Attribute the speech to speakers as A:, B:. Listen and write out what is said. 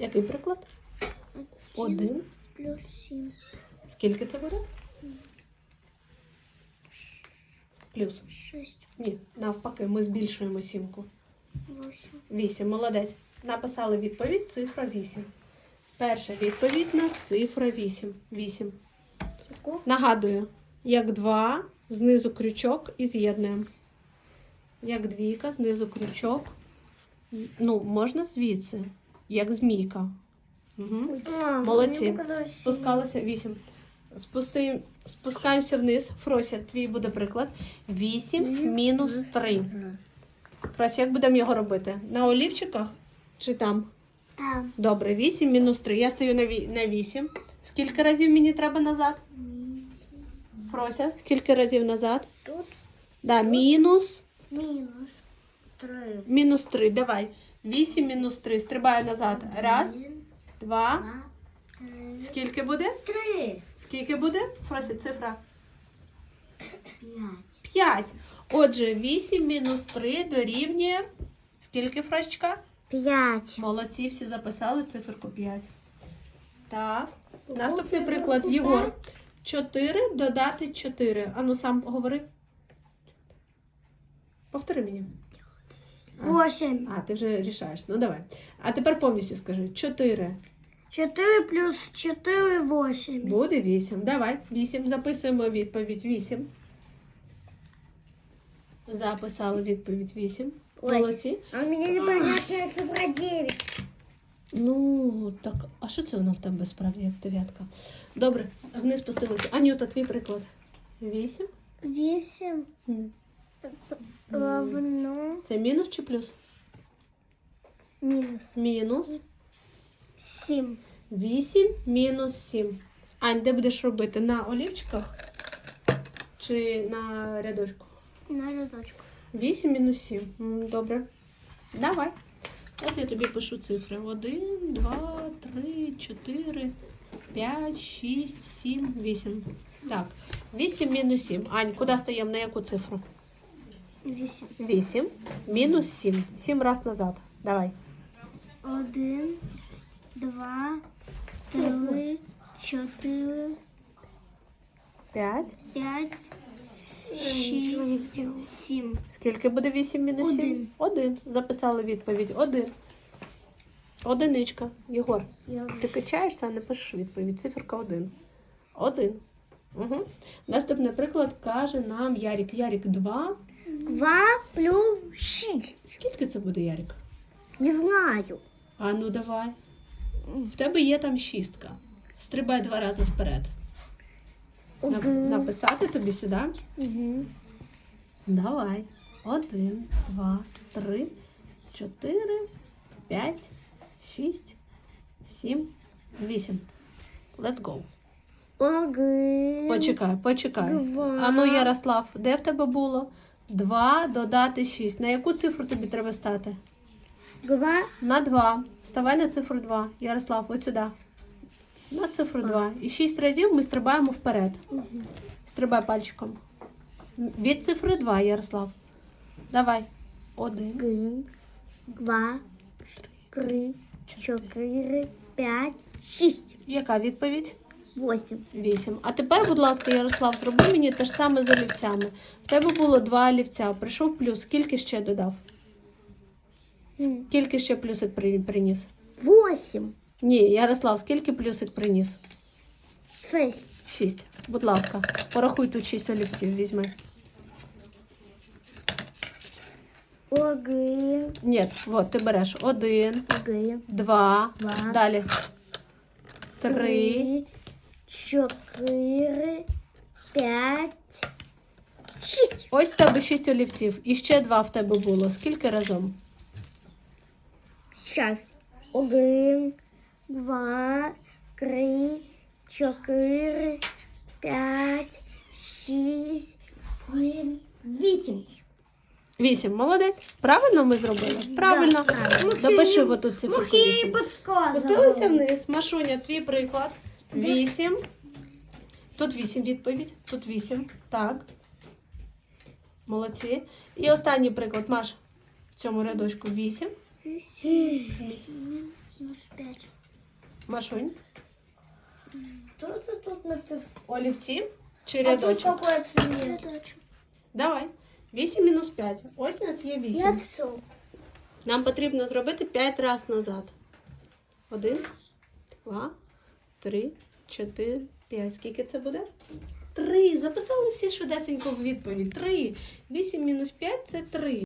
A: Який приклад? 1
B: плюс 7.
A: Скільки це буде? Плюс.
B: 6,
A: Ні, навпаки, ми збільшуємо сімку.
B: 8.
A: 8. Молодець. Написали відповідь, цифра 8. Перша відповідь у нас цифра 8. 8. Нагадую, як 2, знизу крючок і з'єднуємо. Як двійка, знизу крючок. Ну, можна звідси, як змійка. Угу. Молодці. Спускалися 8. Спускаємося вниз. Фрося, твій буде приклад. 8 мінус 3. Фрося, як будемо його робити? На олівчиках чи там?
B: Там.
A: Добре, 8 мінус 3. Я стою на 8. Скільки разів мені треба назад? Фрося, скільки разів назад?
B: Тут
A: Да, мінус.
B: мінус 3.
A: Мінус 3. Давай. 8 мінус 3. Стрибаю назад. Раз, 2.
B: 3.
A: Скільки буде?
B: 3.
A: Скільки буде? Фрося, цифра.
B: 5.
A: 5. Отже, 8 мінус 3 дорівнює. Скільки, Фросечка?
B: 5.
A: Молодці, всі записали циферку 5. Так. Наступний приклад. Єгор. 4 додати 4. Ану, сам говори. Повтори мені.
B: 8.
A: А, ти вже рішаєш. Ну, давай. А тепер повністю скажи. 4.
B: 4 плюс 4 8.
A: Буде 8. Давай. 8. Записуємо відповідь 8. Записали відповідь 8.
B: Ой.
A: Молодці.
B: А у меня непонятная цифра 9.
A: Ну, так, а що це воно в тебе справді, як дев'ятка? Добре, вниз спустилися. Анюта, твій приклад. 8.
B: 8 равно
A: Це мінус чи плюс?
B: минус
A: Мінус.
B: 7.
A: 8 мінус 7. Ань, де будеш робити? На олівчиках чи на рядочку?
B: На рядочку.
A: 8 мінус 7. Добре. Давай. От я тобі пишу цифри. 1, 2, 3, 4, 5, 6, 7, 8. Так. 8 мінус 7. Ань, куди стаємо? На яку цифру?
B: 8.
A: 8 мінус 7. 7 раз назад. Давай.
B: 1, 2, 3, 4,
A: 5.
B: 5, 6, 7.
A: Скільки буде 8 мінус 7?
B: Один.
A: 1. Записали відповідь. 1. Одиничка. Єгор, ти качаєшся, а не пишеш відповідь. Циферка 1. 1. Угу. Наступний приклад каже нам Ярік. Ярік 2.
B: 2 плюс 6.
A: Скільки це буде, Ярік?
B: Не знаю.
A: А ну давай. В тебе є там шістка. Стрибай 2 рази вперед. Написати тобі сюди?
B: Угу.
A: Давай. 1, 2, 3, 4, 5, 6, 7, 8. Let's go.
B: 1.
A: Почекай.
B: 2.
A: Ану, Ярослав, де в тебе було? 2 додати 6. На яку цифру тобі треба стати?
B: 2.
A: На 2. Вставай на цифру 2. Ярослав, ось сюди. На цифру 2. І 6 разів ми стрибаємо вперед. Стрибай пальчиком. Від цифри 2, Ярослав. Давай. 1,
B: 1, 2, 3, 4, 5, 6,
A: Яка відповідь?
B: 8.
A: 8. А тепер, будь ласка, Ярослав, зроби мені те ж саме з олівцями. В тебе було 2 олівця. Прийшов плюс. Скільки ще додав? Скільки ще плюсик приніс?
B: 8.
A: Ні, Ярослав, скільки плюсик приніс?
B: 6.
A: 6. Будь ласка, порахуй тут 6 олівців, візьми.
B: 1,
A: Ні, от, ти береш 1,
B: 1,
A: 2,
B: Два.
A: далі 3,
B: 3, 4, 5, 6.
A: ось в тебе 6 олівців. І ще 2 в тебе було. Скільки разом?
B: Сейчас. 1, 2, 3, 4, 5, 6, 7, 8.
A: 8. Молодець. Правильно ми зробили? Правильно.
B: правильно.
A: Допиши отут цифру 8.
B: подсказывала.
A: Спустилися вниз. Машуня, твій приклад. 8. Тут 8 відповідь. Тут 8. Так. Молодці. І останній приклад, Маш. В цьому рядочку 8.
B: минус 5.
A: Машунь.
B: Тут написано.
A: Олівці чи
B: А тут
A: рядочок?
B: какой цвет? Рядочек.
A: Давай. 8 мінус 5. Ось у нас є 8.
B: Я все.
A: Нам потрібно зробити 5 разів назад. 1, 2, 3, 4, 5. Скільки це буде? 3. Записали всі швидесенько в відповідь. 3. 8 мінус 5 – це 3.